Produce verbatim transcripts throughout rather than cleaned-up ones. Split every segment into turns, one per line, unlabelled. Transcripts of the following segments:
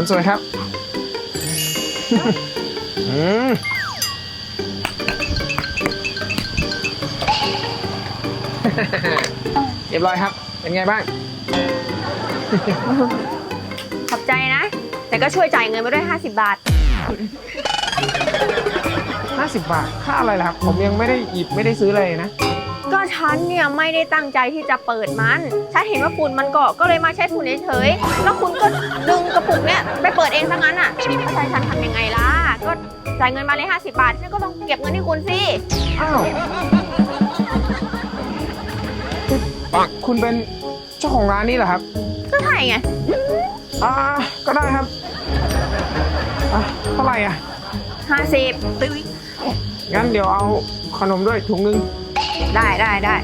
คนสวยครับอืมเรียบร้อยครับเป็นไงบ้าง
ขอบใจนะ แต่ก็ช่วยจ่ายเงินมาด้วยห้าสิบบาท
ห้าสิบบาทค่าอะไรล่ะครับผมยังไม่ได้หยิบไม่ได้ซื้อเลยนะ
ก็ฉันเนี่ยไม่ได้ตั้งใจที่จะเปิดมันฉันเห็นว่าฝุ่นมันเกาะก็เลยมาใช้ฝุ่นเฉยๆแล้วคุณก็ดึงกระปุกเนี่ยไปเปิดเองซะงั้นอ่ะเข้าใจฉันทำยังไงล่ะก็จ่ายเงินมาเลยห้าสิบบาทฉันก็ต้องเก็บเงินที่คุณสิ
อ้าวคือคุณเป็นเจ้าของร้านนี้เหรอครับ
ก็ใช่ไง
อ่าก็ได้ครับอ่ะเท่าไหร่อ่ะ
ห้าสิบ
งั้นเดี๋ยวเอาขนมด้วยถุงนึง
ได้ได้ได้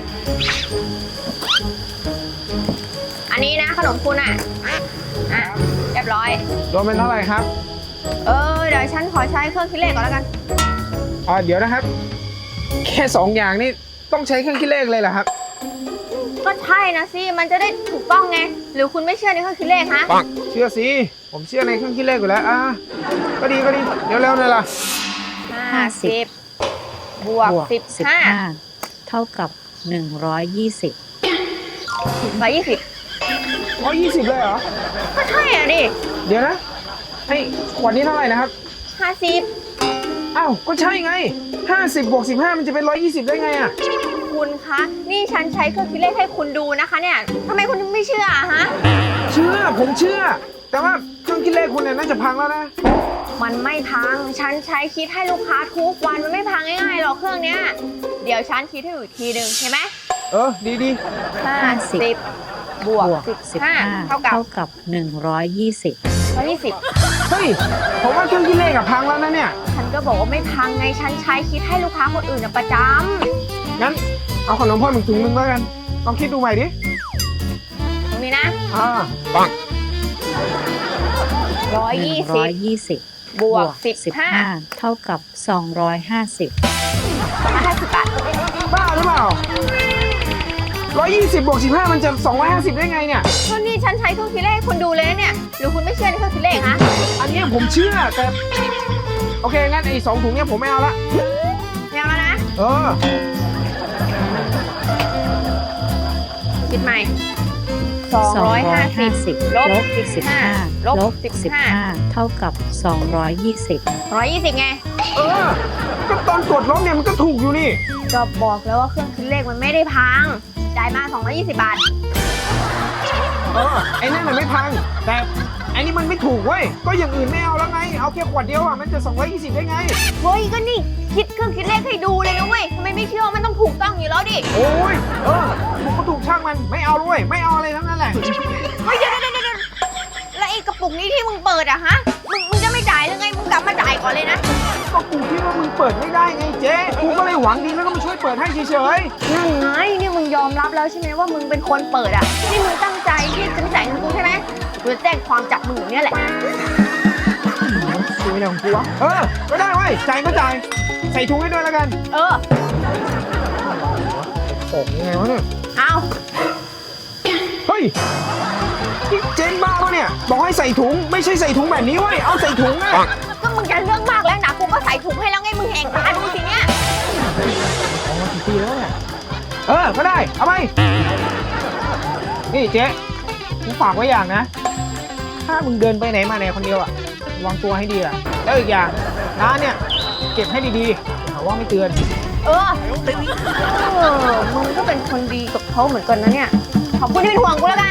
อันนี้นะขนมคุณอ่ะอ่ะเรียบร้อย
รวมเป็นเท่าไหร่ครับ
เออเดี๋ยวฉันขอใช้เครื่องคิดเลขก่อนแล้วกัน
อ่าเดี๋ยวนะครับ แค่สองอย่างนี่ต้องใช้เครื่องคิดเลขเลยเหรอครับ
ก็ใช่นะสิมันจะได้ถูกต้องไงหรือคุณไม่เชื่อในเครื่องคิดเลขฮะ
ปังเชื่อสิผมเชื่อในเครื่องคิดเลขอยู่แล้วอ่าก็ดีก็ดีเดี๋ยวเร็วหน่อยล่ะ
ห้าสิบบวกสิบห้า
เท่ากับหนึ่งร้อยยี่สิบ
ร้อยยี่สิบ
อ๋อยี่สิบเลยเหรอ
ก็ใช่อ่ะดิ
เดี๋ยวนะไอ้ขวดนี้เท่าไหร่นะครับ
ห้าสิบ
อ้าวก็ใช่ไงห้าสิบบวกสิบห้ามันจะเป็นร้อยยี่สิบได้ไงอ่ะ
คุณคะนี่ฉันใช้เครื่องคิดเลขให้คุณดูนะคะเนี่ยทำไมคุณไม่เชื่ออะฮะ
เชื่อผมเชื่อ แต่ว่าเครื่องคิดเลขคุณเนี่ยน่าจะพังแล้วนะ
มันไม่พังฉันใช้คิดให้ลูกค้าทุกวันมันไม่พังง่ายๆหรอกเครื่องเนี้ยเดี๋ยวฉันคิดให้อยู่อีกทีหนึ่งเห็นไหม
เออดีดี
ห้าสิบบวกสิบห้าเท่ากับ
เท่ากับหนึ่งร้อยยี่สิบ
ร้อยยี่สิบ
เฮ้ยผมว่าเครื่องคิดเลขอะพังแล้วนะเนี่ย
ฉันก็บอกว่าไม่พังไงฉันใช้คิดให้ลูกค้าคนอื่นอะประจ
งั้นเอาขนมเพิ่มอีกถุงนึงแล้วกันลองคิดดูใหม่ดิ
ำตรงนี้นะ
อ่าปัง
ร้อยยี่
ร้
สิ
อบ ยยี่สิบบ
วกสิบห้า
เท่ากับสองร้อยห้าสิบ
สองร้อยห้าสิบบาท
บ้าหรือเปล่าร้อยยี่สิบบวกสิบห้ามันจะสองร้อยห้าสิบได้ไงเนี่ย
ก็นี่ฉันใช้เครื่องคิดเลขให้คุณดูเลยนะเนี่ยหรือคุณไม่เชื่อในเครื่องคิดเลขฮะ
อันเนี้ยผมเชื่อแต่โอเคงั้นไอ้สองถุงเนี้ยผมไม่เอาละ
ไม่เอาแล้วนะ
เออ
คิดใหม่สองร้อยห้าสิบลบสิบห้าลบสิบห้า
เท่ากับสองร้อยยี่สิบ
ร้อยยี่สิบไง
เออก็ตอนกดลบเนี่ยมันก็ถูกอยู่นี่
ก็บอกแล้วว่าเครื่องคิดเลขมันไม่ได้พังจ่ายมาสองร้อยยี่สิบบาท
เออไอ้นั่นมันไม่พังแต่ไอ้นี่มันไม่ถูกเว้ยก็อย่างอื่นไม่เอาแล้วไงเอาแค่ขวดเดียวอ่ะมันจะสองร้อยยี่สิบได้ไง
เฮ้ยก็นี่คิดเครื่องคิดเลขให้ดูเลยนะเว้ยทำไมไม่เชื่อมันต้องถูกต้องอยู่แล้วดิ
โอ้ยเออถูกก็ถูกช่างมันไม่เอาด้วยไม่เอาอะไรทั้งนั้นแหละ
เฮ้ยเดี๋ยวเดี๋ยวเดี๋ยวแล้วไอ้กระปุกนี้ที่มึงเปิดอะฮะมึงมึงจะไม่จ่ายหรือไงมึงกลับมาจ่ายก่อนเลยนะ
ก็กูคิดว่ามึงเปิดไม่ได้ไงเจ๊กูก็เลยหวังดีแล้วก็มาช่วยเปิดให้เฉย
นั่นไงนี่มึงยอมรับแล้วใช่ไหมว่ามึงเป็นคนเปิดอะนี่มึงตั้งใจที่จะไม่จ่ายเงินกูใช่ไหมกูจะแจ้งความจับมึงอย่างเนี้ยแหละ
ๆคุยอะไรของกูวะเออก็ได้เว้ยจ่ายก็จ่ายใส่ถุงให้ด้วยแล้วกัน
เออ
ของยังไงวะเนี่ย
เอา
เฮ้ยนี่เจนบ้าปะเนี่ยบอกให้ใส่ถุงไม่ใช่ใส่ถุงแบบนี้เว้ยเอาใส่ถุงอะ
ก็มึงจะเรื่องมากแล้วนะกูก็ใส่ถุงให้แล้วไงมึงแหงตาดูสิเนี่ย
ของมากี่ปีแล้วเนี่ยเออก็ได้เอาไปนี่เจ๊กูฝากไว้อย่างนะถ้ามึงเดินไปไหนมาไหนคนเดียวอะระวังตัวให้ดีล่ะแล้วอีกอย่างร้านเนี่ยเก็บให้ดีๆหาว่าไม่เตือน
เออเออมึงก็เป็นคนดีกับเขาเหมือนกันนะเนี่ยขอบคุณที่เป็นห่วงกูแล้วกัน